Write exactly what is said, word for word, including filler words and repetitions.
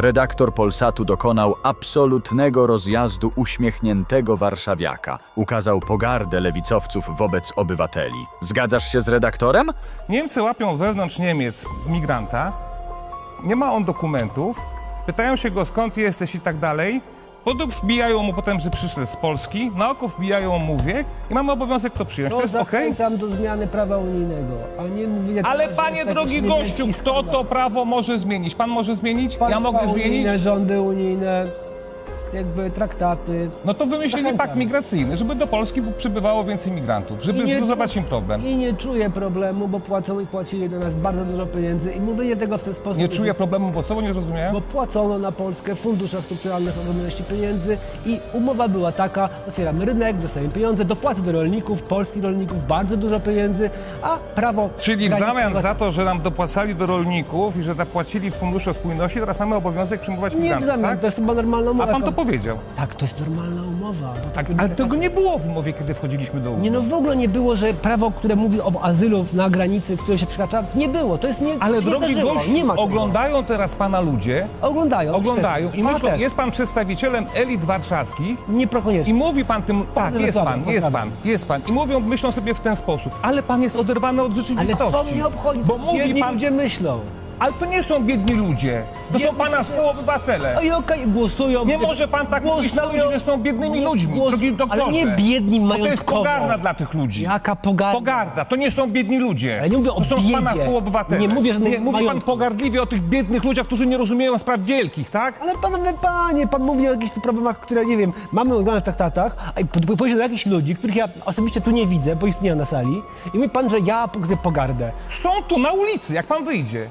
Redaktor Polsatu dokonał absolutnego rozjazdu uśmiechniętego warszawiaka. Ukazał pogardę lewicowców wobec obywateli. Zgadzasz się z redaktorem? Niemcy łapią wewnątrz Niemiec migranta, nie ma on dokumentów, pytają się go skąd jesteś i tak dalej, potem wbijają mu potem, że przyszedł z Polski, na oko wbijają mu wiek i mamy obowiązek to przyjąć. To, To jest okej? zachęcam do zmiany prawa unijnego, a nie mówię... Ale że panie jest drogi jakiś gościu, niemiecki kto skandal. to prawo może zmienić? Pan może zmienić? Ja Państwa mogę unijne, zmienić? rządy unijne, jakby traktaty. No to wymyślili Zachęcam. pakt migracyjny, żeby do Polski przybywało więcej migrantów, żeby I nie zluzować czu- im problem. I nie czuję problemu, bo płacą i płacili do nas bardzo dużo pieniędzy i mówienie tego w ten sposób... Nie jest- czuję problemu, bo co, bo nie zrozumiałem? Bo płacono na Polskę w funduszach strukturalnych ogromności pieniędzy i umowa była taka, otwieramy rynek, dostajemy pieniądze, dopłaty do rolników, polskich rolników, bardzo dużo pieniędzy, a prawo... Czyli w graniczne- zamian za to, że nam dopłacali do rolników i że zapłacili w Funduszu Spójności, teraz mamy obowiązek przyjmować Nie w migrantów, zamian, tak? to jest chyba normalna umowa. A pan to jaka- powiedział. Tak, to jest normalna umowa. Bo Tak, tak- ale tak- tego nie było w umowie, kiedy wchodziliśmy do Unii. Nie no, w ogóle nie było, że prawo, które mówi o azylu na granicy, które się przekracza, nie było. To jest nie Ale nie drogi zdarzyło. gościu, nie ma tego. oglądają teraz pana ludzie, Oglądają. oglądają świetnie. i Pan myślą, też. jest pan przedstawicielem elit warszawskich Nie prokoniecznie. i mówi pan tym, tak, jest Dokładnie, pan, jest pan, dokładnie. jest pan. I mówią, myślą sobie w ten sposób, ale pan jest oderwany od Ale rzeczywistości. co mnie obchodzi, Bo co mówi biedni pan, ludzie myślą? ale to nie są biedni ludzie, to są Biedni pana ludzie- współobywatele. No i okej, głosują. Nie może pan tak mówić na ludzi, że są biednymi ludźmi, Głos- drogi doktorze. Ale nie biedni Bo to jest majątkowo. pogarda dla tych ludzi. Jaka pogarda? Pogarda, to nie są biedni ludzie. Ale nie mówię o to są z pana biedzie. współobywatele. Nie mówię, że nie, mówi pan majątku. pogardliwie o tych biednych ludziach, którzy nie rozumieją spraw wielkich, tak? Ale panowie, panie, pan mówi o jakichś tu problemach, które, nie wiem, mamy oglądać w traktatach, a i po- pójdzie do jakichś ludzi, których ja osobiście tu nie widzę, bo ich tu nie ma na sali, i mówi pan, że ja pokazuję pogardę. Są tu na ulicy, jak pan wyjdzie.